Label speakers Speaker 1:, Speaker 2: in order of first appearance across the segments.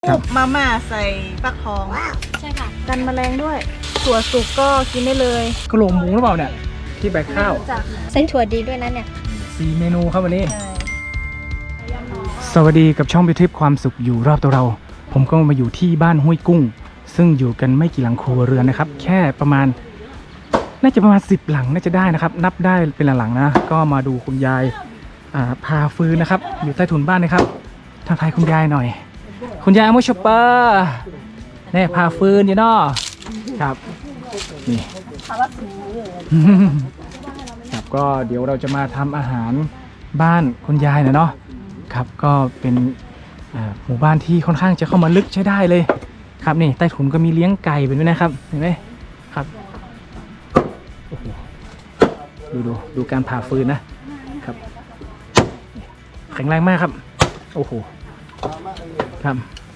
Speaker 1: คลุกมาม่าใส่ฟักทองใช่ค่ะกันแมลงด้วยถั่วสุกก็กินได้เลย
Speaker 2: กระโหลกหมูหรือเปล่าเนี่ยที่แบกข้าว
Speaker 3: ใส่ถั่วดีด้วยนะเนี่ย
Speaker 2: 4 เมนูครับวันนี้สวัสดีกับช่องบิวทิปความสุขอยู่รอบตัวเราผมก็มาอยู่ที่บ้านห้วยกุ้งซึ่งอยู่กันไม่กี่หลังครัวเรือนนะครับแค่ประมาณน่าจะประมาณ10 หลังน่าจะได้นะครับนับได้เป็นหลังๆนะก็มาดูคุณยายพาฟืนนะครับอยู่ใต้ถุนบ้านนะครับทักทายคุณยายหน่อยคุณยายอโมชเปอร์เนี่ยพาฟืนอยู่เนาะครับนี่ครับก็เดี๋ยวเราจะมาทำอาหารบ้านคุณยายเนาะครับก็เป็นหมู่บ้านที่ค่อนข้างจะเข้ามาลึกใช้ได้เลยครับนี่ใต้ถุนก็มีเลี้ยงไก่เป็นด้วยนะครับเห็นไหมครับโอ้โหดูการผ่าฟืนนะครับแข็งแรงมากครับโอ้โหครับ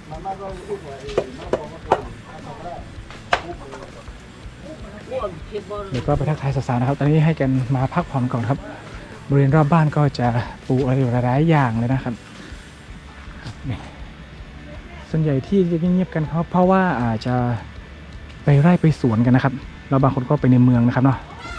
Speaker 2: เดี๋ยวก็ไปทักทายสาวๆนะครับตอนนี้ให้กันมาพักผ่อนก่อนครับบริเวณรอบบ้านก็จะปลูกอะไรหลายอย่างเลยนะครับนี่ส่วนใหญ่ที่จะเงียบๆกันเพราะว่าอาจจะไปไร่ไปสวนกันนะครับแล้วบางคนก็ไปในเมืองนะครับเนาะ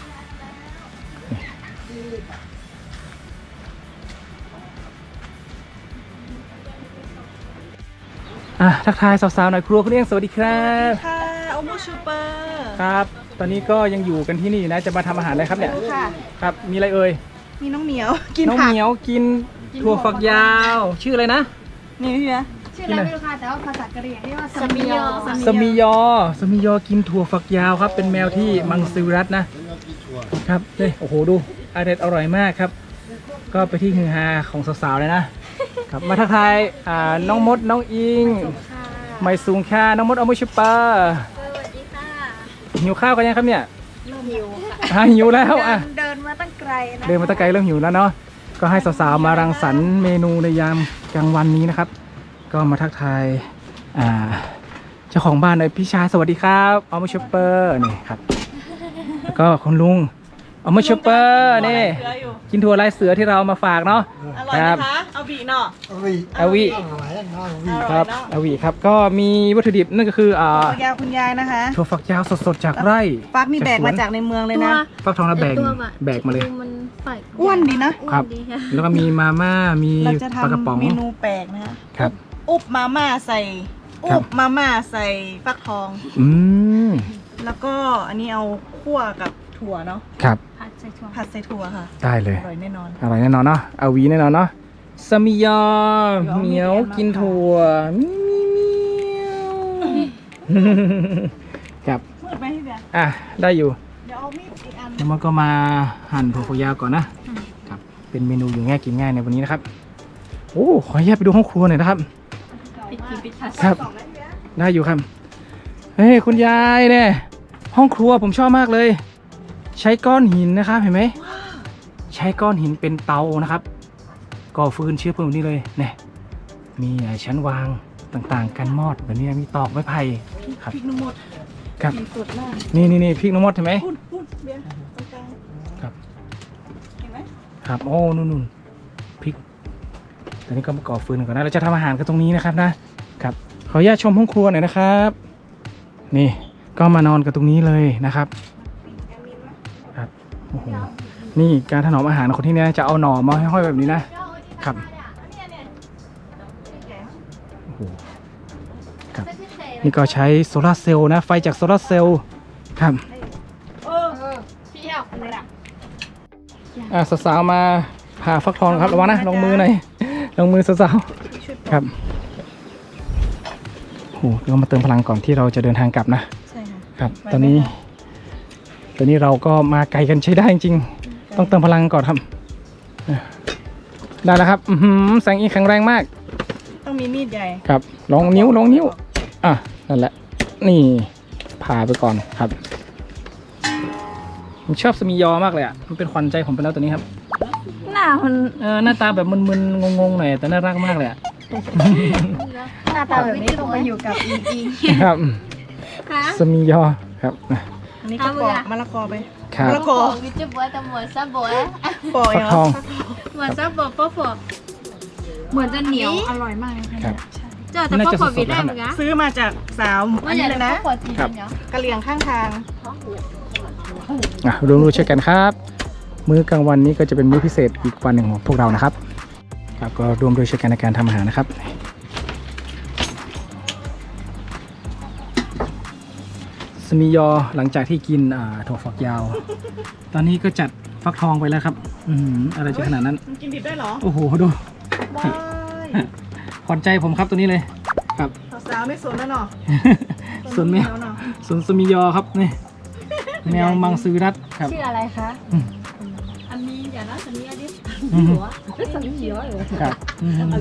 Speaker 2: ทักทายสาวๆหน่อยครัวคุณเอี้ยงสวัสดีครับ
Speaker 1: ค่ะโอโมชูเปอร์
Speaker 2: ครับตอนนี้ก็ยังอยู่กันที่นี่นะจะมาทำอาหารอะไรครับเนี่ยครับมีอะไรเอ่ย
Speaker 1: มีน้องเหมียวกิน
Speaker 2: น้องเหมียวกินถั่วฝักยาวชื่ออะไรนะ
Speaker 1: นี่พี่นะ
Speaker 3: ชื่ออะไรไม่รู้ค่ะแต่ว่าภาษากะเหรี่ยงเรียกว่าสมิยอ
Speaker 2: สมิยอกินถั่วฝักยาวครับเป็นแมวที่มังสวิรัตนะครับนี่โอ้โหดูอร่อยมากครับก็ไปที่ฮือฮาของสาวๆเลยนะครับมาทักทายน้องมดน้องอิงไม่สูงค่าน้องมดเอามือชุบปลา
Speaker 3: สวัสดีค่ะ
Speaker 2: หิวข้าวกันยังครับเนี่ย
Speaker 3: เริ่มหิวค่ะ
Speaker 2: หิวแล้ว
Speaker 3: เดินมาตั้งไกลนะ
Speaker 2: เริ่มหิวแล้วเนาะก็ให้สาวๆมารังสรรค์เมนูในยามกลางวันนี้นะครับก็มาทักทายเจ้าของบ้านเลยพี่ชายสวัสดีครับเอามือชุบเปอร์นี่ครับแล้วก็คุณลุงเอามือชุบเปอร์นี่กินถั่วลายเสือที่เรามาฝากเนาะ
Speaker 1: อร่อยนะคะเอาบีเนาะ
Speaker 2: เอาวีครับเอาวีครับก็มีวัตถุดิบนั่นก็คือ
Speaker 1: ถั่วยาวคุณยายนะคะ
Speaker 2: ถั่วฝักยาวสดๆจากไร่
Speaker 1: ฟักนี่แบกมาจากในเมืองเลยนะ
Speaker 2: ฟักทองแล้วแบกมาเลย
Speaker 1: อ้วนดี
Speaker 2: นะครับแล้วก็มีมาม่ามีปลากระป๋อง
Speaker 1: เมนูแปลกนะคะ
Speaker 2: ครับ
Speaker 1: อุบมาม่าใส่ฟักทองแล้วก็อันนี้เอาคั่วกับถั่วเนาะ
Speaker 2: ครับ
Speaker 1: ผัดใส่ถั่วค่ะ
Speaker 2: ได้เลย
Speaker 1: อร่อยแน่นอน
Speaker 2: เนาะเอาวีแน่นอนเนาะสมิยอเหมียวกินถั่วครับ
Speaker 1: มืดไหมพี่เบียร์
Speaker 2: ได้อยู่
Speaker 1: เดี๋ยวเอามีดอีกอัน
Speaker 2: แล้วมันก็มาหั่นถั่วฝักยาวก่อนนะครับเป็นเมนูอยู่ง่ายกินง่ายในวันนี้นะครับโอ้ขออนุญาตไปดูห้องครัวหน่อยนะครับครับได้อยู่ครับเฮ้ยคุณยายเนี่ยห้องครัวผมชอบมากเลยใช้ก้อนหินนะครับเห็นไหมใช้ก้อนหินเป็นเตานะครับก่อฟืนเชื้อเพลิงนี่เลยเนี่ยมีชั้นวางต่างๆกันมอดแบบนี้มีตอกไม้ไผ่ครับ
Speaker 1: พริกน้ำมด
Speaker 2: ครับ
Speaker 1: สดมาก
Speaker 2: นี่พริกน้ำมดเห็นไหม
Speaker 1: เบียร์ตรงกลาง
Speaker 2: ครับ
Speaker 1: เห็นไหม
Speaker 2: ครับโอ้นู่นพริกตอนนี้ก็มาก่อฟืนก่อนนะเราจะทำอาหารกันตรงนี้นะครับนะครับขออนุญาตชมห้องครัวหน่อยนะครับนี่ก็มานอนกันตรงนี้เลยนะครับครับโอ้โหนี่การถนอมอาหารคนที่นี่จะเอาหน่อมาห้อยๆแบบนี้นะครับโอ้โหครับนี่ก็ใช้โซลาร์เซลล์นะไฟจากโซลาร์เซลล์ครับสาวๆมาผ่าฟักทองครับระวังนะลงมือหน่อยลงมือสาวๆครับโอ้โหเรามาเติมพลังก่อนที่เราจะเดินทางกลับนะ
Speaker 1: ใช่
Speaker 2: ครับตอนนี้เราก็มาไกลกันใช้ได้จริงๆต้องเติมพลังก่อนครับได้แล้วครับแสงอีกแข็งแรงมาก
Speaker 1: ต้องมีมีดใหญ่
Speaker 2: ครับลองนิ้วนั่นแหละนี่ผ่าไปก่อนครับผมชอบสมิยอมากเลยมันเป็นขวัญใจผมไปแล้วตัวนี้ครับหน้าตาแบบมึนๆงงๆหน่อยแต่น่ารักมากเลย
Speaker 3: หน้าตาแบบนี้ต้องมาอยู่กับอิง
Speaker 2: ครับสมิยอครับ
Speaker 1: อันนี้ก็ปอกมะละกอไป
Speaker 2: มะ
Speaker 3: ละกอวิจิบัวแต่หมวดซาบัว
Speaker 1: ปอก
Speaker 2: ฟักทอง
Speaker 3: หมวดซาบัวเหมือนจะเหนียวอร่อยมาก
Speaker 2: ครับ
Speaker 3: จเจอแต่พวกขวดวิดได้เหมือนกัน
Speaker 1: ซื้อมาจากสาว
Speaker 3: ว่า
Speaker 1: อัน
Speaker 3: อ
Speaker 1: นี้
Speaker 3: ย่าง
Speaker 1: เลย
Speaker 3: นั้
Speaker 1: นะ
Speaker 3: นขวดจีนเนาะ
Speaker 1: กะเหรี่ยงข้างทาง
Speaker 2: ร่วมด้วยช่วยกันครับ มื้อกลางวันนี้ก็จะเป็นมื้อพิเศษอีกวันหนึ่งของพวกเรานะครับครับก็ร่วมด้วยช่วยกันในการทำอาหารนะครับสมิยอหลังจากที่กินถั่วฝักยาว ตอนนี้ก็จัดฟักทองไปแล้วครับอะไรจะขนาดนั้น
Speaker 1: มันกินดิบได้เหรอ
Speaker 2: โอ้โหดู
Speaker 1: ว้าย
Speaker 2: ขวัญใจผมครับตัวนี้เลยครับ
Speaker 1: สาวๆไม่สนแล้วเนาะ
Speaker 2: ส่วนแมว
Speaker 1: เนาะ
Speaker 2: ส่วนสมิยอครับนี่แมวมังสวิรัตครับ
Speaker 3: ชื่ออะไรคะ
Speaker 4: อันนี้อย่านะอันนี้อันนี้
Speaker 2: อืม
Speaker 4: หัวสันนิษฐานเลย
Speaker 2: ครับครับ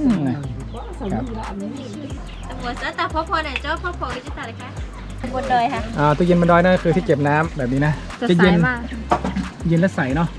Speaker 3: หัวแต่พ่อพอเนี่ยเจ้าพ่อพอก็จะตัดเลยค่ะบนดอยค่ะ
Speaker 2: ตู้เย็นบนดอยนั่นคือที่เก็บน้ำแบบนี้นะ
Speaker 3: จะใส
Speaker 2: เย็น
Speaker 3: มาก
Speaker 2: เย็นและใสเนาะ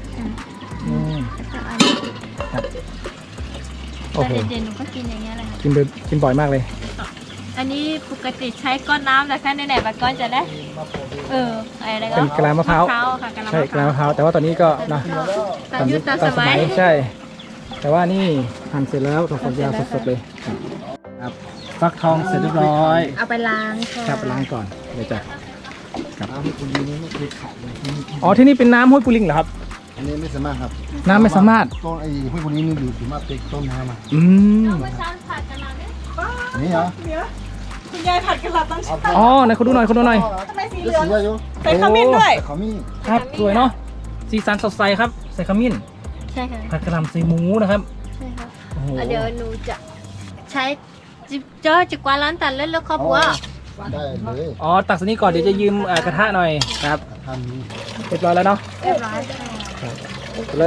Speaker 2: ครับโอ้
Speaker 3: แต่
Speaker 2: โห
Speaker 3: เย็นๆหนูก็กินอย่างเงี้ยแหละค่ะ
Speaker 2: กินบ่อยมากเลย
Speaker 3: อันนี้ปกติใช้ก้อนน้ำนะคะไหนๆบางก้อนจะได้อะไรก็
Speaker 2: เป็นกะลามะพร้าว
Speaker 3: ค่ะกะลา
Speaker 2: ใช่
Speaker 3: มะ
Speaker 2: ก
Speaker 3: พ
Speaker 2: ลา
Speaker 3: ร้าว
Speaker 2: มะพร้าวแต่ว่าตอนนี้ก็นะ
Speaker 3: ตามยุคตามสมัย
Speaker 2: ใช่ แต่ว่านี่หั่นเสร็จแล้วถั่วฝักยาวสดๆเลยครับฟักทองเสร็จเรียบร้อย
Speaker 3: เอาไปล้างค่ะ
Speaker 2: ครับล้างก่อนเลยจ้ะครับอ๋อที่นี่เป็นน้ำห้วยปูลิงเหรอครับ
Speaker 5: อันนี้ไม่สามารถครับ
Speaker 2: น้ำไม่สามารถ
Speaker 5: ต้นไอ้ห้วยคนนี้มันอยู่ที่มาเป็นต้นน้ำอ่ะ
Speaker 2: อืม
Speaker 3: เมื่อเช้าผัดกันแล้วเนี่ย
Speaker 5: อันนี้เหรอ
Speaker 1: เดี๋ยวคุณยายผัดกะหล่ำตั้งชื่อ
Speaker 2: อ๋อไหนคุณดูหน่อยคุณดูหน่อย
Speaker 1: ทำไมสี
Speaker 5: เดี๋
Speaker 1: เห
Speaker 5: ยว
Speaker 1: ลือง
Speaker 5: สีอะไรอยู่
Speaker 1: ใส่ขมิ้นด้วย
Speaker 5: เขามี
Speaker 2: ครับสวยเนาะสีสันสดใสครับใส่ขมิ้น
Speaker 3: ใช่ค่ะ
Speaker 2: ผัดกะหล่ำใส่หมูนะครับ
Speaker 3: ใช่ค่ะ
Speaker 2: โอ้โห
Speaker 3: เดี๋ยวหนูจะใช้เจอจิกวาดร้านตัดเล่นแล้วครอบครัว
Speaker 5: ได้เลย
Speaker 2: อ๋อตักสนี้ก่อนเดี๋ยวจะยืมกระทะหน่อยครับ
Speaker 5: ทำนี้
Speaker 2: เรียบร้อยแล้วเนาะ
Speaker 3: เรียบร้อยค่ะ
Speaker 2: เลย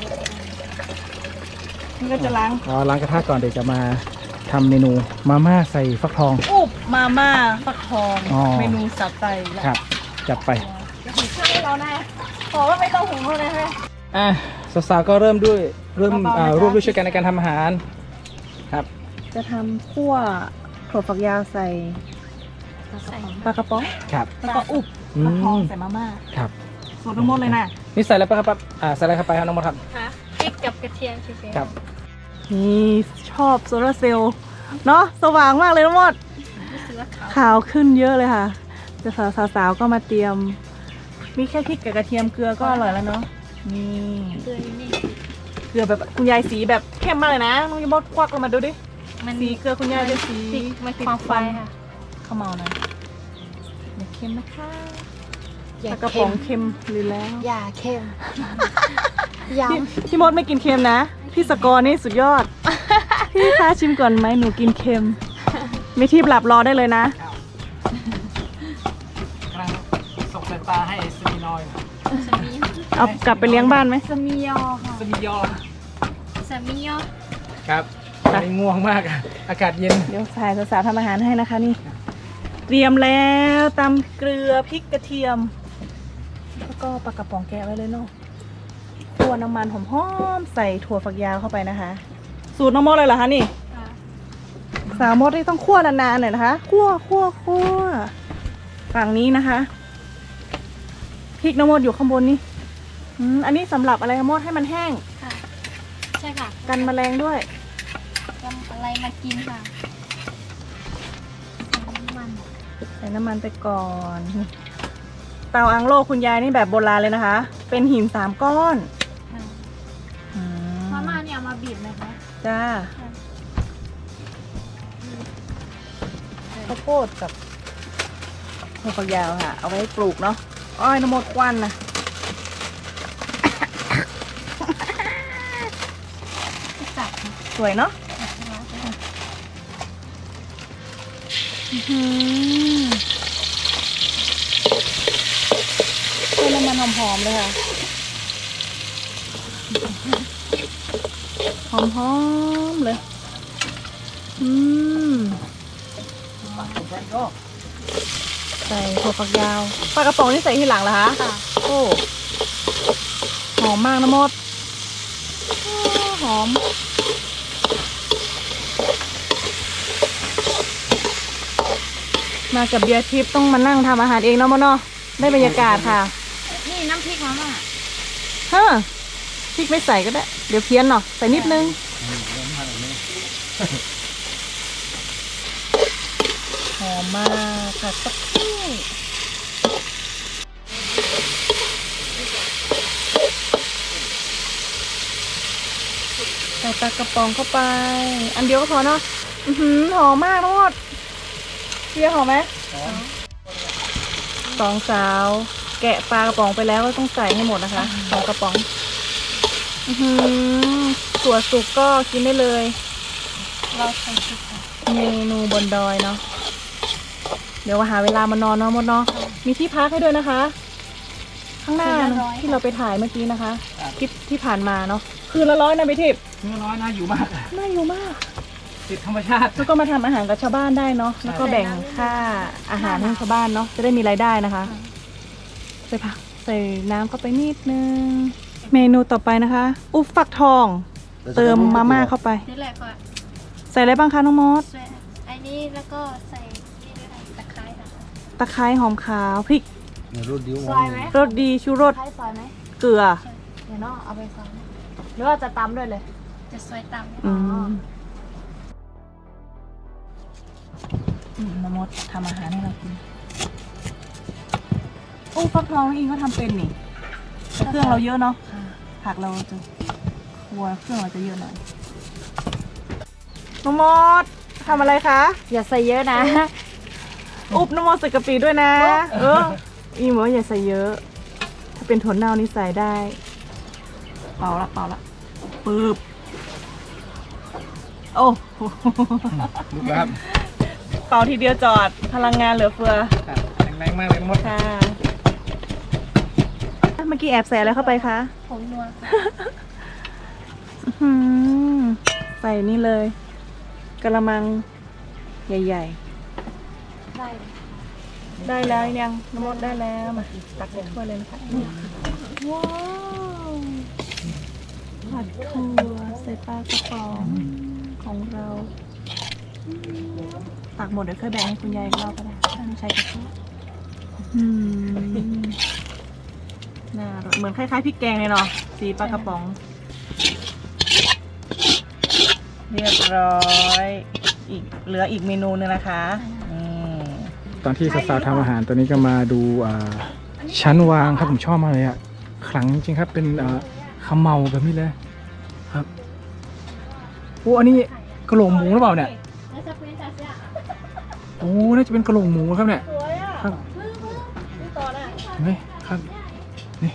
Speaker 1: นี่ก็จะล้าง
Speaker 2: อ๋อล้างกระทะก่อนเดี๋ยวจะมาทำเมนูมาม่าใส่ฟักทอง
Speaker 1: อุบมาม่าฟักทอง
Speaker 2: อ๋อ
Speaker 1: เมนูสับไตแล้ว
Speaker 2: ครับจัดไป
Speaker 1: ข้าวให้เราแน่ขอว่าไม่ต้องหุงเท่านั้นค่ะ
Speaker 2: อ่ะสาวๆก็เริ่มด้วยร่วม
Speaker 1: เบาๆนะจ๊ะ
Speaker 2: ร่วมด้วยช่วยกันในการทำอาหารครับ
Speaker 1: จะทำคั่วถั่วฝักยาวใส่
Speaker 3: ใส่
Speaker 1: ปลากระป๋อง
Speaker 2: ครับ
Speaker 1: แล้วก็อุบ
Speaker 2: อื
Speaker 1: ฟักทอง
Speaker 2: ม
Speaker 1: ใส่มาม่า
Speaker 2: ครับ
Speaker 1: สูตรทั้งหมดเลยนะ
Speaker 2: นี่ใส่อะไรไปครับใส่อะไรเข้าไปครับน้องมดครับ
Speaker 3: ค่ะพริกกับกระเทียมเฉยๆ
Speaker 2: ครับ
Speaker 1: นี่ชอบโซลาร์เซลล์เนาะสว่างมากเลยทั้งหมด
Speaker 3: รู้สึกว่าขาว
Speaker 1: ขาวขึ้นเยอะเลยค่ะจะสาวๆก็มาเตรียม มีแค่พริกกับกระเทียมเกลือก็อร่อยแล้วเนาะนี่
Speaker 3: เกลืออยู่นี่
Speaker 1: เกลือแบบคุณยายสีแบบเข้มมากเลยนะน้องยมดควักลงมาดูดิ
Speaker 3: มัน
Speaker 1: สีเกลือคุณยายจะสี
Speaker 3: มันความไฟค่ะ
Speaker 1: ข้าวเมานะอย่าเค็มนะคะปลากระป๋องเค็มหรือแล้ว
Speaker 3: อย่าเค็มย้
Speaker 1: พี่มดไม่กินเค็มนะ พี่สกอร์นี่สุดยอด พี่คะชิมก่อนไหมหนูกินเค็ม ไม่ที่หลับรอได้เลยนะ
Speaker 2: กำลังส่งสายตาให้สมีนอย
Speaker 3: ำสามี
Speaker 1: เอากลับไปเลี้ยงบ้านไหม
Speaker 3: สามียอค่ะ
Speaker 2: สมียอ
Speaker 3: สามียอ
Speaker 2: ครับตอนนี้ง่วงมากอะอากาศเย็น
Speaker 1: เดี๋ยวสายสาวๆทำอาหารให้นะคะนี่ เตรียมแล้วตำเกลือพริกกระเทียม แล้วก็ปลากระป๋องแกะไว้เลยเนาะคั่วน้ำมันหอมๆใส่ถั่วฝักยาวเข้าไปนะคะ สูตรน้องมดเลยเหรอคะนี่
Speaker 3: ค่ะ
Speaker 1: สาวมดนี่ต้องคั่วนานๆหน่อยนะคะคั่วฝั่งนี้นะคะพริกน้ำมดอยู่ข้างบนนี่อันนี้สำหรับอะไรน้ำมดให้มันแห้ง
Speaker 3: ค่ะใช่ค่ะ
Speaker 1: กันแมลงด้วย
Speaker 3: ทำอะไรมากินค่ะมัน
Speaker 1: ใส่น้ำมันไปก่อน เตาอังโลคุณยายนี่แบบโบราณเลยนะคะ เป็นหิน3 ก้อน
Speaker 3: ค่ะ
Speaker 1: อืม
Speaker 3: มาม่าเนี่ยเอามาบีบไหมคะ
Speaker 1: จ้าข้าวโพดกับถั่วฝักยาวค่ะ เอาไว้ปลูกเนาะอ้อยน้ำมดควันนะ
Speaker 3: จับค่ะ
Speaker 1: สวยเนาะเป็นน้ำมันหอมๆเลยค่ะ หอมๆเลย ใส่ถั่วฝักยาวปลากระป๋องนี่ใส่ทีหลังเหรอคะ
Speaker 3: ค่ะ
Speaker 1: โอ้หอมมากนะมดโอ้หอม มากับเบียร์ทิพย์ต้องมานั่งทำอาหารเองเนาะมดเนาะได้บรรยากาศค่ะ
Speaker 3: นี่น้ำพริกมาม่า
Speaker 1: เฮ้อพริกไม่ใส่ก็ได้ เดี๋ยวเพี้ยนเนาะใส่นิดนึงหอมมากค่ะสักครู่ใส่ปลากระป๋องเข้าไป อันเดียวก็พอเนาะหอมมากทั้งหมดเพียหอมไหมสองสาวแกะปลากระป๋องไปแล้วก็ต้องใส่ให้หมดนะคะสองกระป๋องถั่วสุกก็กินได้เลย
Speaker 3: เราใส่ชุด
Speaker 1: เมนูบนดอยเนาะเดี๋ยวหาเวลามานอนเนาะมดเนาะมีที่พักให้ด้วยนะคะ ข้างหน้าที่เราไปถ่ายเมื่อกี้นะคะคลิปที่ผ่านมาเนาะคืนละ100นะพี่ทิพย์
Speaker 2: เนื้อน้อยน่าอยู่มาก
Speaker 1: น่าอยู่มาก
Speaker 2: ติดธรรมชาติ
Speaker 1: แล้วก็มาทำอาหารกับชาวบ้านได้เนาะแล้วก็แบ่งค่าอาหารให้ชาวบ้านเนาะจะได้มีรายได้นะคะใส่ผักใส่น้ำเข้าไปนิดนึงเมนูต่อไปนะคะ อุบฟักทอง เติมมาม่าเข้าไป
Speaker 3: นี่แหละก็
Speaker 1: ใส่อะไรบ้างคะน้องมด
Speaker 3: ใส่อันนี้แล้วก็ใส่นี่ด้วยตะไคร้ค่ะ
Speaker 1: ตะไคร้หอมขาวพริก
Speaker 5: เนี่ยรถดิ้ว
Speaker 3: ซอยไหม
Speaker 1: รสดีชูรส
Speaker 3: ใช้ซอยไหม
Speaker 1: เกลือ
Speaker 3: เดี๋ยวเนาะเอาไปซอยไหมหรือว่าจะตำด้วยเลย จะซอยตำ
Speaker 1: น้ำมดทำอาหารให้เรากินโอ้ฟักทองอิงก็ทำเป็นนี่แต่เครื่องเราเยอะเนาะผักเราจะครัวเครื่องเราจะเยอะหน่อยน้องมดทำอะไรคะ
Speaker 3: อย่าใส่เยอะนะ
Speaker 1: อุบน้ำมดใส่กะปิด้วยนะอีหมออย่าใส่เยอะ ถ้าเป็นถั่วเน่านี่ใส่ได้ เป่าละปึ๊บโอ้
Speaker 2: ลุกแล้วครับ
Speaker 1: เป่าทีเดียวจอดพลังงานเหลือเฟือ
Speaker 2: แรงมากเลยมด
Speaker 1: ค่ะเมื่อกี้แอบใส่อะไรเข้าไปคะ
Speaker 3: ผงนัว
Speaker 1: ใส่นี่เลยกระมังใหญ่
Speaker 3: ได้
Speaker 1: ๆ ได้แล้วยังน้ำมดได้แล้วมาตักใส่ถ้วยเลยนะคะว้าวผัดถั่วใส่ปลากระป๋องของเราตักหมดเดี๋ยวค่อยแบ่งให้คุณยายอีกรอบก็ได้ถ้าไม่ใช้กระทะน่าอร่อยเหมือนคล้ายๆพริกแกงเลยเนาะสีปลากระป๋อง เรียบร้อยเหลืออีกเมนูนึงนะคะนี่
Speaker 2: ตอนที่สาวๆทำอาหารตัวนี้ก็มาดูชั้นวางครับผมชอบมากเลยอ่ะขลังจริงครับเป็นขมเมาแบบนี้เลยครับโอ้อันนี้กระโหลกหมูหรือเปล่าเนี่ย
Speaker 3: แล้วจะเป็นจะ
Speaker 2: โอ้น่าจะเป็นกระโหลกหมูครับเนี่ย
Speaker 1: สวยอ่ะ
Speaker 2: ครับ
Speaker 1: นี่ต่อน่ะ
Speaker 2: เห็นไหมครับนี่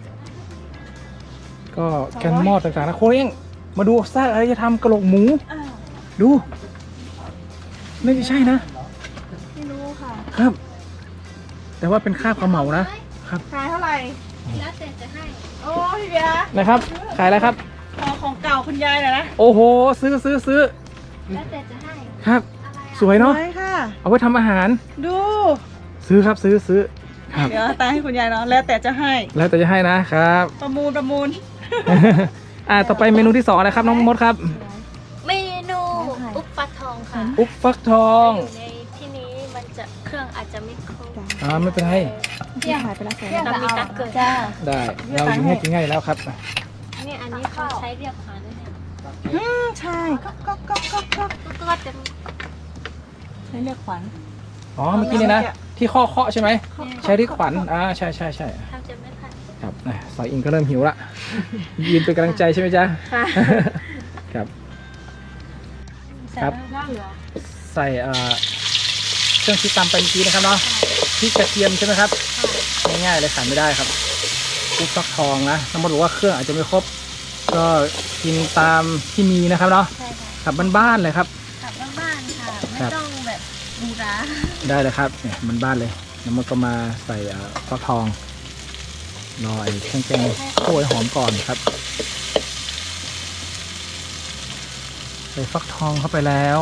Speaker 2: ก็แกนมอดต่างๆนะโคเองมาดูซากอารยธรรมกระโหลกหมู
Speaker 1: อ้าว
Speaker 2: ดูไม่ใช่นะ
Speaker 1: ไม่รู้ค่ะ
Speaker 2: ครับ แต่ว่าเป็นค่าบขมเมานะครับ
Speaker 1: ขายเท่าไหร่
Speaker 3: แล้วแต่จะให้
Speaker 1: โอ้พี่เบียร์
Speaker 2: นะครับขายอะไรครับ
Speaker 1: ของเก่าคุณยายหน่อยนะ
Speaker 2: โอ้โหซื้อ
Speaker 3: แล้วแต่จะให้
Speaker 2: ครับ
Speaker 3: อะไร
Speaker 2: สวยเนาะ
Speaker 1: สวยค่ะ
Speaker 2: เอาไว้ทำอาหาร
Speaker 1: ดู
Speaker 2: ซื้อครับซื้อครับ
Speaker 1: เดี๋ยวตาให้คุณยายเนาะแล้วแต่จะให้
Speaker 2: แล้วแต่จะให้นะครับ
Speaker 1: ประมูล
Speaker 2: ต่อไปเมนูที่2นะครับน้องมดครับ
Speaker 3: เมนูอุปปลาทองค่ะ
Speaker 2: อุ๊บฟักทอง
Speaker 3: อยู่ในที่นี้มันจะเครื่องอาจจะไม่ครบ
Speaker 2: ไม่เป็นไร
Speaker 3: เที่ยง
Speaker 1: ขายไปแล้วแสน
Speaker 3: เรามีตักเกิด
Speaker 2: ได้เราอยู่ง่ายกินง่ายอยู่แล้วครับ
Speaker 3: นี่อันนี้เขาใช้เรียบขวานด้วยเนี่ย
Speaker 1: ใช่ก็
Speaker 3: ก็จะ
Speaker 1: ใช้เรียกขวัญ
Speaker 2: อ๋อเมื่อกี้นี่นะที่เคาะใช่ไหมใช้ที่ขวัญใช่
Speaker 3: ทำจะไม่ทัน
Speaker 2: ครับสายอิงก็เริ่มหิวละยืนเป็นกำลังใจใช่ไหมจ๊ะครับ ครับ ใส่เครื่องที่ตำไปเมื่อกี้นะครับเนาะพริกกระเทียมใช่ไหมครับง่ายๆเลยขาดไม่ได้ครับอุ๊บฟักทองนะน้ำมันบอกว่าเครื่องอาจจะไม่ครบก็กินตามที่มีนะครับเนาะ
Speaker 3: ใช่ค่ะ
Speaker 2: ขับบ้านๆเลยครับ
Speaker 3: กลับบ้านๆค่ะ ไม่
Speaker 2: ครับ
Speaker 3: ต้องแบบบูรา
Speaker 2: ได้เลยครับเนี่ยบ้านๆเลยน้ำมันก็มาใส่ฟักทองรอไอ้เครื่องแกงโขยหอมก่อนครับใส่ฟักทองเข้าไปแล้ว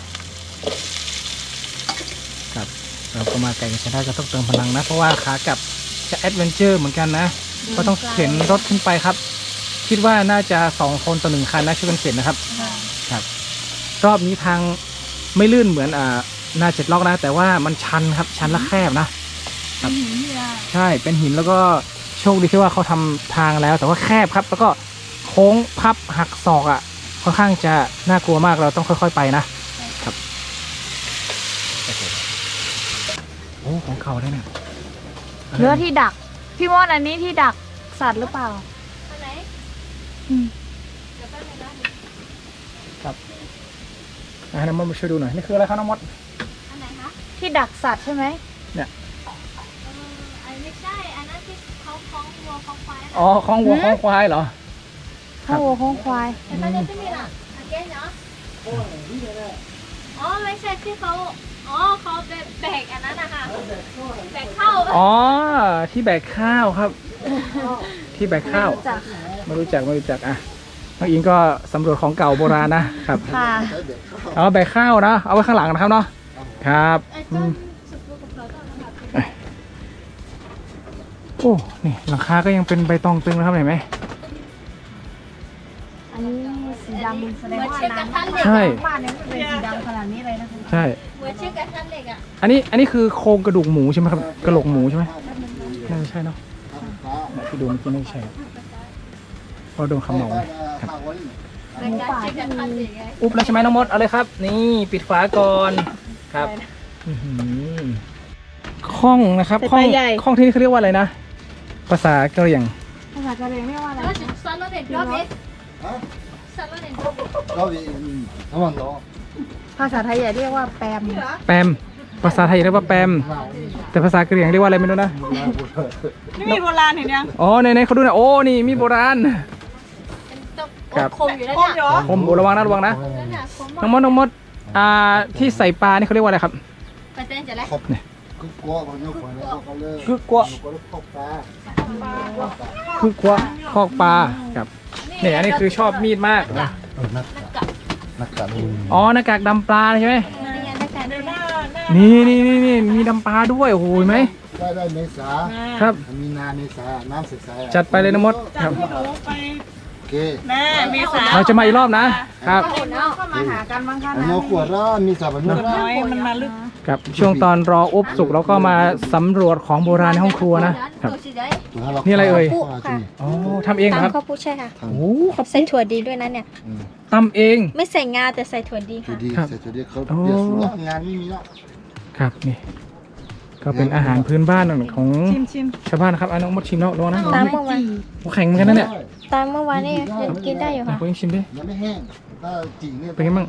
Speaker 2: ครับเราก็มาไก่กันใช้ได้ก็ต้องเติมพลังนะเพราะว่าขากลับจะแอดเวนเจอร์เหมือนกันนะก็ต้องเข็นรถขึ้นไปครับ คิดว่าน่าจะ2 คนต่อ 1 คันนะช่วยกันเข็นนะครับครับรอบนี้ทางไม่ลื่นเหมือนหน้า7 ล็อกนะแต่ว่ามันชันครับชันและแคบนะครับใช่เป็นหินแล้วก็โชคดีที่ว่าเขาทำทางแล้วแต่ว่าแคบครับแล้วก็โค้งพับหักศอกค่อนข้างจะน่ากลัวมากเราต้องค่อยๆไปนะครับโอ้ของเขาได้เนี่ย
Speaker 3: เนื้อที่ดัก พี่มดอันนี้ที่ดักสัตว์หรือเปล่า
Speaker 4: อันไหน เดี๋ยวแป๊บนึงนะ
Speaker 2: น้องมดมาช่วยดูหน่อยนี่คืออะไรครับน้องมด
Speaker 4: อันไหนคะ
Speaker 3: ที่ดักสัตว์ใช่ไหม
Speaker 4: อันไม่ใช่ อันนั้นที่เขาคล้องวัวคล้องควาย
Speaker 2: อ๋อของวัวของควายเหรอ
Speaker 3: ข้าววัวข้าวควาย
Speaker 4: แต่ตอนนี้ไม่มีละอันแก้เนาะอ๋อไม่ใช่ที่เขาเขาแบกอันนั้นนะคะแบกเข้า
Speaker 2: อ๋อที่แบกข้าวครับ ที่แบกข้าวไม่รู้จักอ่ะน้องอิงก็สำรวจของเก่าโบราณนะครับ
Speaker 3: ค่ะ
Speaker 5: ใช้เด็กเข้า
Speaker 2: เอาแบกข้าวนะเอาไว้ข้างหลังนะครับเนาะครับ
Speaker 4: ไอ้ต้นสุดลูกกับเราต้นนะคะ
Speaker 2: โอ้นี่หลังคาก็ยังเป็นใบตองตึงนะครับเห็นไหม
Speaker 3: อันนี้สีดำแสดงว่า
Speaker 4: เชือกกระทันเหล็ก
Speaker 2: ใช่
Speaker 3: บ้านนี้มันเป็นสีดำขนาดนี้เลยนะคะ
Speaker 2: ใช่
Speaker 4: เหมือนเชือกกระทันเหล็กอ่ะ
Speaker 2: อันนี้คือโครงกระดูกหมูใช่ไหมครับกระโหลกหมูใช่ไหมน่าจะใช่เนาะที่ดูเมื่อกี้ไม่ใช่เพราะโดนขมเหลาครับ
Speaker 4: เป็นการเชือกกระทันเหล็กไง
Speaker 2: อุ๊บแล้วใช่ไหมน้องมดเอาเลยครับ นี่ปิดฝาก่อนครับอื้อหือข้องนะครับข้องที่นี่เขาเรียกว่าอะไรนะภาษากะเหรี่ยง
Speaker 3: ภาษากะเหรี่ยงเรียกว่าอะไร
Speaker 4: แล้วจะซันแล้วเด็ดรอบนี้ซันแล้วเด็ด
Speaker 5: เราน้ำมันเนาะ
Speaker 3: ภาษาไทยเรียกว่าแปม
Speaker 2: แปมภาษาไทยเรียกว่าแปมแต่ภาษากะเหรี่ยงเรียกว่าอะไรไม่รู้นะ
Speaker 1: นี่มีโบราณเห็นยัง
Speaker 2: อ๋อในเขาดูหน่อยโอ้นี่มีโบราณ
Speaker 4: เป็นต้องคมอยู่แล้ว
Speaker 1: โคม
Speaker 4: เนี่ย
Speaker 1: เหรอ
Speaker 2: ผมระวังนะ
Speaker 4: นั่นน่ะคม
Speaker 2: น้องมดที่ใส่ปลานี่เขาเรียกว่าอะไรครับ
Speaker 4: ไปเต้นจะแล้ว
Speaker 5: ก็กลัวมันยกคนแล้วก็เลิก
Speaker 2: คือกลัว
Speaker 5: ก็เลิกเข้าปลา
Speaker 2: คือกลัวคอกปลาครับเนี่ยอันนี้คือชอบมีดมากนะ
Speaker 5: นักการ
Speaker 2: อ๋อหน้ากากดำปลาใช่ไหม
Speaker 4: นี่ไงนักการ
Speaker 1: เดี๋ยวหน้า
Speaker 2: นี่มีดำปลาด้วยโอ้โหเห็นไหม
Speaker 5: ได้เมษา
Speaker 2: ครับ
Speaker 5: มีนาเมษาน้ำใสๆ
Speaker 2: จัดไปเลยนะมดครับ
Speaker 1: หนูไป
Speaker 5: โอเค
Speaker 1: แม่เมษา
Speaker 2: เราจะมาอีกรอบนะครับ
Speaker 3: ก็มาหากันบางครั้ง
Speaker 5: อันนี้ขวดละมีสาบัน
Speaker 1: น้อยมันมาลึก
Speaker 2: ครับช่วงตอนรออุบสุกเราก็มาสำรวจของโบราณในห้องครัวนะครับ นี่อะไรเอ่ย อ๋อทำเองเหรอครับ
Speaker 4: ข้าวผู้ใช่ค่ะ
Speaker 2: โอ้ครับ
Speaker 4: ใส่ถั่วดีด้วยนะเนี่ย
Speaker 2: ตำเอง
Speaker 4: ไม่ใส่งาแต่ใส่ถั่วดี
Speaker 5: จุ
Speaker 4: ค่ะ
Speaker 5: ดีเสร็จจุดีเขาเปลี่ยนสูตรงานไม่มีแล้ว
Speaker 2: ครับนี่ก็เป็นอาหารพื้นบ้านของ
Speaker 1: ชิม
Speaker 2: ชาวบ้านนะครับน้องมดชิมแล้วลองนะ
Speaker 4: ตามเมื่อวาน
Speaker 2: โอ้แข็งเหมือนกันนะเนี่ย
Speaker 4: ตามเมื่อวานนี่กินได้อยู่ค่ะ
Speaker 2: ผมยังชิมดิ
Speaker 5: ยังไม่แห้งถ้าจีเนี่ย
Speaker 2: เป็นไงบ้าง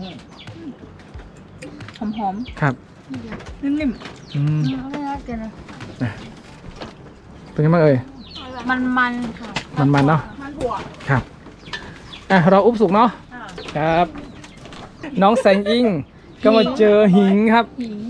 Speaker 1: หอม
Speaker 2: ครับ
Speaker 1: ๆนิ่ม
Speaker 2: อืม
Speaker 3: ไม่น่าเกินเลย
Speaker 2: เป็นไงบ้างเอ่ย
Speaker 3: มันค่ะ
Speaker 2: มันเนาะ
Speaker 1: ๆมันถั่ว
Speaker 2: ครับเราอุบสุกเนาะครับ น้องแสงอิงก็มาเจอหิงครับ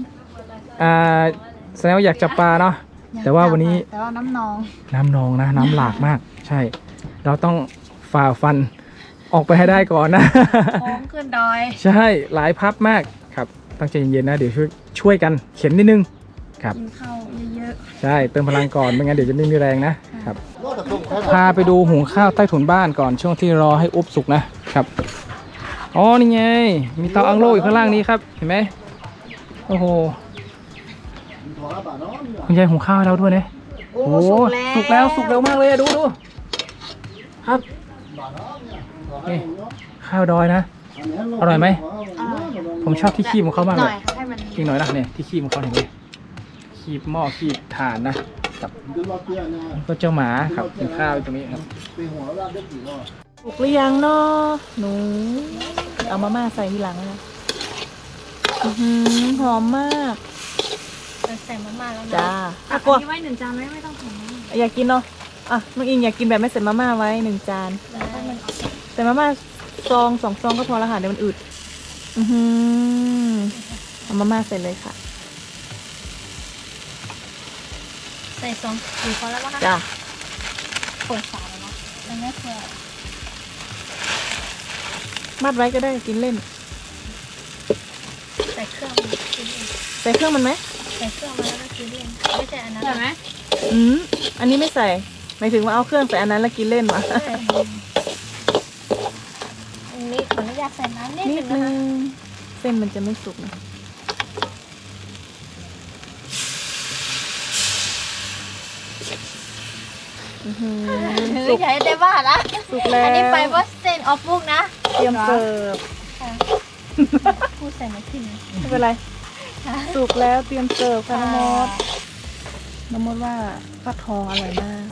Speaker 2: แสดงว่าอยากจับปลาเนาะแต่ว่าวันนี้
Speaker 3: แต่ว่าน้ำนอง
Speaker 2: น้ำนองนะน้ำหลากมาก ใช่ เราต้องฝ่าฟันออกไปให้ได้ก่อนนะ
Speaker 3: ท้องขึ้นดอย
Speaker 2: ใช่หลายพับมากครับตั้งใจเย็นๆนะเดี๋ยวช่วยกันเข็นนิดนึงครับ
Speaker 3: กินข้าวเยอะ
Speaker 2: ใช่เติมพลังก่อนไม่งั้นเดี๋ยวจะไม่มีแรงนะครับ
Speaker 5: ก็แต่ต้มแค่
Speaker 2: พาไปดูหุงข้าวใต้ถุนบ้านก่อนช่วงที่รอให้อุบสุกนะครับอ๋อนี่ไงมีเตาอังโล่อยู่ข้างล่างนี้ครับเห็นไหมโอ้โห
Speaker 5: ถั่วละบาทเนาะ
Speaker 2: คุณยายหุงข้าวให้เราด้วยเนี่ย
Speaker 3: ๆ โอ้
Speaker 2: โอ้สุกแล้วสุกเร็วมากเลยอะดูครับนี่ข้าวดอยนะ อร่อยไหม ผมชอบที่คีบของเขามาก
Speaker 3: ห
Speaker 2: เล
Speaker 3: น่อย ยค่ะให้มัน
Speaker 2: อีกหน่อยนะเนี่ยที่คีบของเขาเห็นไหมคีบหม้อคีบถ่านนะกับ
Speaker 5: ดูรอบเตี้ยนะ
Speaker 2: ก็เจ้าหมาครับกินข้าวอยู่ตรงนี้ครับ
Speaker 5: ไปหัวราดได้กี่รอบ
Speaker 1: สุกหรือยังเนาะหนูเอามาม่าใส่ทีหลังนะหอมมาก
Speaker 4: ใส่มาม่าแล้วนะ
Speaker 1: จ้า
Speaker 3: อ่ะ
Speaker 1: กลัว
Speaker 3: นี่ไว้1 จานไม่ต้องถุงนะ
Speaker 1: อยากกินเนาะน้องอิงอยากกินแบบไม่ใส่มาม่าไว้1 จานใส่มาม่า2 ซองก็พอแล้วค่ะเดี๋ยวมันอืดเอามาม่าใส่เลยค่ะ
Speaker 4: ใส่2 4 คนแล้วมั้งคะ
Speaker 1: จ้า
Speaker 4: เปิดฝาแล้วเนาะมันไม่เปิด
Speaker 1: มัดไว้ก็ได้กินเล่น
Speaker 4: ใส่เครื่องกินเอง
Speaker 1: ใส่เครื่องมันไหม
Speaker 4: ใส่เครื่องมาแล้วก็กินเองไม่ใช่อันนั้น
Speaker 3: ใช่ไหม
Speaker 1: อันนี้ไม่ใส่หมายถึงว่าเอาเครื่องใส่อันนั้นแล้วกินเล่นวะ
Speaker 4: อันนี้ขออนุญาตใส่น้ำนิด
Speaker 1: นิ
Speaker 4: นึ
Speaker 1: ด
Speaker 4: ง
Speaker 1: นึ
Speaker 4: นะคะ
Speaker 1: งเส้นมันจะไม่สุกนะ
Speaker 4: ถือใหญ่ได้บ้าละ
Speaker 1: สุกแล้ว
Speaker 4: อันนี้ไปบอสเซนออฟบุกนะ
Speaker 1: เตรียมเสิร์ฟ
Speaker 4: พูดใส่มาที่นี่
Speaker 1: ไม่เป็นไรสุกแล้วเตรียมเสิร์ฟค่ะน้องมดน้องมดว่าฟักทองอร่อยมาก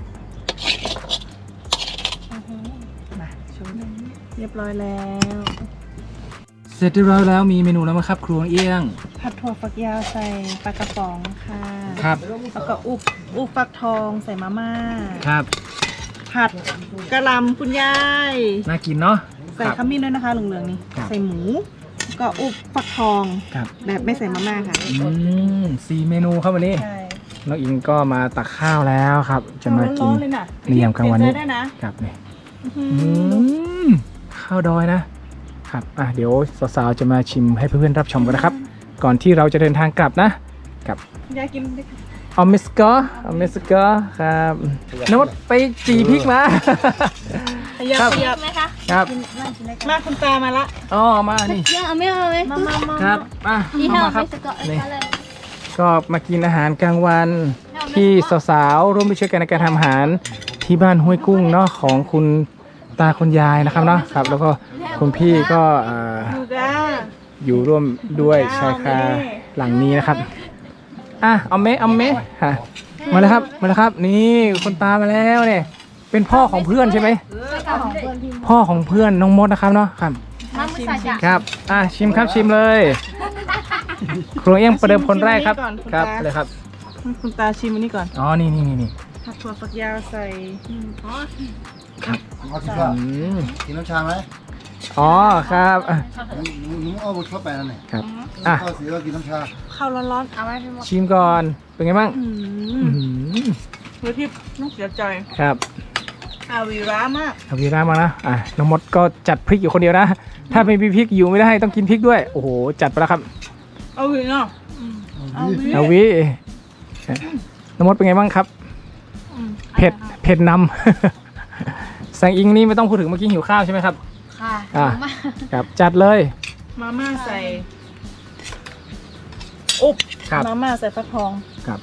Speaker 1: มาชมเรียบร้อยแล้ว
Speaker 2: เสร็จเรียบร้อยแล้วมีเมนูแล้วมั้งครับครัวเอี้ยง
Speaker 1: ผัดถั่วฝักยาวใส่ปลากระป๋องค่ะ
Speaker 2: ครับ
Speaker 1: แล้วก็อุบฟักทองใส่มาม่า
Speaker 2: ครับ
Speaker 1: ผัดกะหล่ำคุณยาย
Speaker 2: น่ากินเนาะ
Speaker 1: ใส่ขมิ้นด้วยนะคะเหลืองๆนี่
Speaker 2: ครับ
Speaker 1: ใส่หมูแล้วก็อุบฟักทอง
Speaker 2: ครับ
Speaker 1: แบบไม่ใส่มาม่าค่ะ
Speaker 2: 4 เมนูครับวันนี้
Speaker 1: ใช่
Speaker 2: น้องอิงก็มาตักข้าวแล้วครับ จะมากิน
Speaker 1: ร้อนๆเลยนะ
Speaker 2: ในยามกลางวันนี้
Speaker 1: เปลี่ยใจได้นะครับ
Speaker 2: นี่
Speaker 1: อื้อหือ
Speaker 2: ข้าวดอยนะครับเดี๋ยวสาวๆจะมาชิมให้เพื่อนๆรับชมกันนะครับ ก่อนที่เราจะเดินทางกลับนะกับ
Speaker 1: ยายกินได้ค่ะ
Speaker 2: ออมมิสกอครับโน้ตไปจีพริกมา
Speaker 1: ขยับ
Speaker 2: ครับ
Speaker 1: ขยับ
Speaker 3: ไหมคะ
Speaker 2: ครับ
Speaker 1: มาคุณตามาละ
Speaker 2: อ๋อมานี่
Speaker 4: ยังไม่เอาเลย
Speaker 2: ครับ
Speaker 4: ที่
Speaker 2: เอา
Speaker 4: เรา
Speaker 2: มาครั
Speaker 4: ไม่
Speaker 2: บ
Speaker 4: สกอต
Speaker 2: นี่ ก็มากินอาหารกลางวันที่สาวๆร่วมด้วยช่วยกันในการทำอาหารที่บ้านห้วยกุ้งเนาะของคุณตาคุณยายนะครับเนาะครับ แล้วก็คุณพี่ก็
Speaker 1: ดูจ้า
Speaker 2: อยู่ร่วมด้วยชายคาหลังนี้นะครับเอาเมะฮะมาแล้วครับมาแล้วครับ นี่คุณตามาแล้วเนี่ยเป็นพ่อของเพื่อนใช่ไหมพ่อของเพื่อนน้องมดนะครับเนาะครับ
Speaker 4: น้ำมันใส่จ้ะ
Speaker 2: ครับชิมครับชิมเลยครัวเอี้ยงประเดิมคนแรกครับครับเลยครับ
Speaker 1: คุณตาชิมอันนี้ก่อน
Speaker 2: อ๋อนี่
Speaker 1: ผัดถั่วฝักยาวใส่
Speaker 5: เอาที่ว่ากินน้ำชาไหม
Speaker 2: อ๋อครับ
Speaker 5: หนูเอาบุชเข้าไปนั่นเอง
Speaker 2: ครับ
Speaker 5: ข้าวสีก็กินน้ำชา
Speaker 1: ข้าวร้อนๆเอาไว้ให้หมด
Speaker 2: ชิมก่อนเป็นไงบ้าง
Speaker 1: เฮ้ยพี่น้องเสียใจ
Speaker 2: ครับ
Speaker 1: อาวีร้ามาก
Speaker 2: เอาวีร่ามานะน้องมดก็จัดพริกอยู่คนเดียวนะ ถ้าไม่มีพริกอยู่ไม่ได้ต้องกินพริกด้วยโอ้โหจัดไปแล้วครับ
Speaker 1: เอาวีเนาะเอาวี
Speaker 2: เอาวิน้องมดเป็นไงบ้างครับเผ็ดนำ แสงอิงนี่ไม่ต้องพูดถึงเมื่อกี้หิวข้าวใช่ไหมครับ
Speaker 4: ค่ะ
Speaker 2: ครับจัดเลย
Speaker 1: มาม่าใส่อุบ
Speaker 2: ครับ
Speaker 1: มาม่าใส่ฟักทอง
Speaker 2: ครับ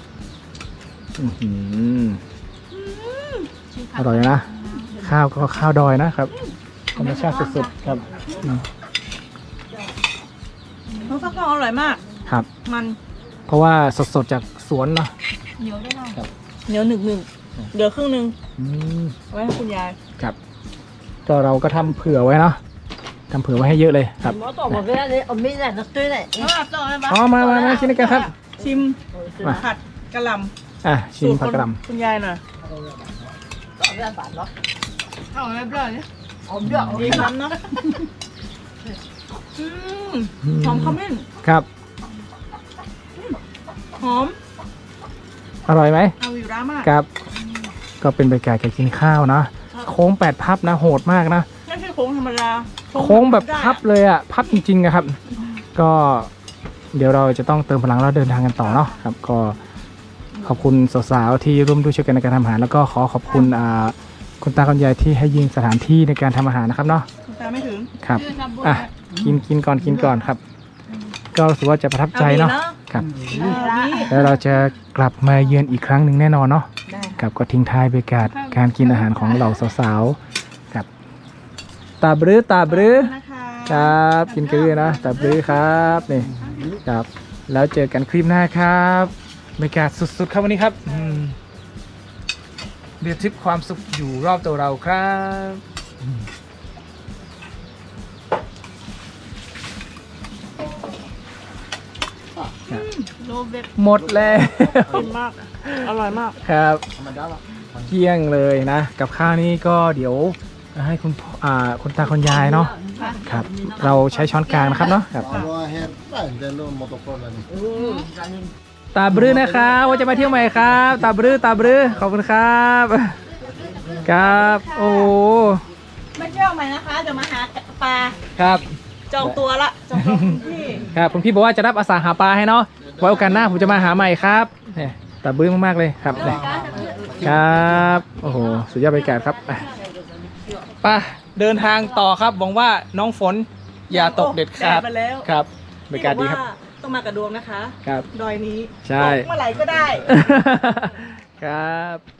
Speaker 2: อร่อยนะข้าวก็ข้าวดอยนะครับธรรมชาติสุดๆครับ
Speaker 1: น้ำฟักทองอร่อยมาก
Speaker 2: ครับ
Speaker 1: มัน
Speaker 2: เพราะว่าสดๆจากสวนเนาะ
Speaker 1: เหนียวหนึ่งเหลือครึ่งหนึ่งเอาไว้ให้คุณยาย
Speaker 2: ครับก็เราก็ทำเผื่อไว้เนาะทำเผื่อไว้ให้เยอะเลยครับ
Speaker 1: ต่อหมดเลยเลยเอาไม่ได้นักตื้อเลยต่อเลยปะ
Speaker 2: อ๋อมาชิมกันครับ
Speaker 1: ชิม
Speaker 2: มา
Speaker 1: ผัดกะหล่ำ
Speaker 2: ชิมผักกระหล
Speaker 1: คุณยายหน่อยเอาไม่เปล่าเนี่ยดีคำเนาะหอมขมิ้น
Speaker 2: ำครับ
Speaker 1: หอม
Speaker 2: อร่อยไหม
Speaker 1: อาวีร้ามาก
Speaker 2: ครับ ก็เป็นบรรยากาศการกินข้าวนะโค้ง8 พับนะโหดมากนะ
Speaker 1: ไม่ใช่โค้งธรรมดา
Speaker 2: โค้งแบบพับเลยอ่ะพับจริงๆอะครับ ก็เดี๋ยวเราจะต้องเติมพลังแล้วเดินทางกันต่อเนาะครับก็ขอบคุณสาวๆที่ร่วมด้วยช่วยกันในการทำอาหารแล้วก็ขอบคุณคุณตาคุณยายที่ให้ยืมสถานที่ในการทำอาหารนะครับเนาะ
Speaker 1: คุณตาไม่ถึง
Speaker 2: ครับกินก่อนครับ ก็รู้สึกว่าจะประทับใจเนาะครับ แล้วเราจะกลับมาเยือนอีกครั้งหนึ่งแน่นอนเนาะครับก็ทิ้งท้ายบรรยากาศการกินอาหารของเหล่าสาวๆครับตาบรือ
Speaker 1: นะคะ
Speaker 2: ครับกินกันเลยนะตาบรือครับนี่ครับแล้วเจอกันคลิปหน้าครับบรรยากาศสุดๆครับวันนี้ครับเรียบทิพย์ความสุขอยู่รอบตัวเราครับหมดแล้ว
Speaker 1: กินมาก อร่อยมาก
Speaker 2: ครับ
Speaker 5: ธรรมดาละ
Speaker 2: เกลี้ยงเลยนะกับข้าวนี้ก็เดี๋ยวให้คุณตาคุณยายเนาะครับเราใช้ช้อนกลางนะครับเนาะครับ
Speaker 5: เอาว่าเฮ็ดได้แต่โน่นมอเตอร์โฟนอะไรนี่
Speaker 2: ตาบรือนะครับว่าจะมาเที่ยวใหม่ครับตาบรือขอบคุณครับครับโอ้
Speaker 1: ไม่เที่ยวใหม่นะคะเดี๋ยวมาหาปลา
Speaker 2: ครับ
Speaker 1: จองตัวละจองตัวที่
Speaker 2: ครับคุณพี่บอกว่าจะรับอาสาหาปลาให้เนาะไว้โอกาสหน้าผมจะมาหาใหม่ครับเนี่ยตาบรือมากๆเลยครับเนี่ยครับโอ้โหสุดยอดบรรยากาศครับไป่ะเดินทางต่อครับหวังว่าน้องฝนอย่าตกเด็ดขาด
Speaker 1: ไปแล้ว
Speaker 2: ครับบรรยากาศดีครับ
Speaker 1: ที่อกว่าต้องมากับดวงนะคะ
Speaker 2: ครับ
Speaker 1: ดอยนี้
Speaker 2: ใช่
Speaker 1: ตกเมื่อไหร่ก็ได้
Speaker 2: ครับ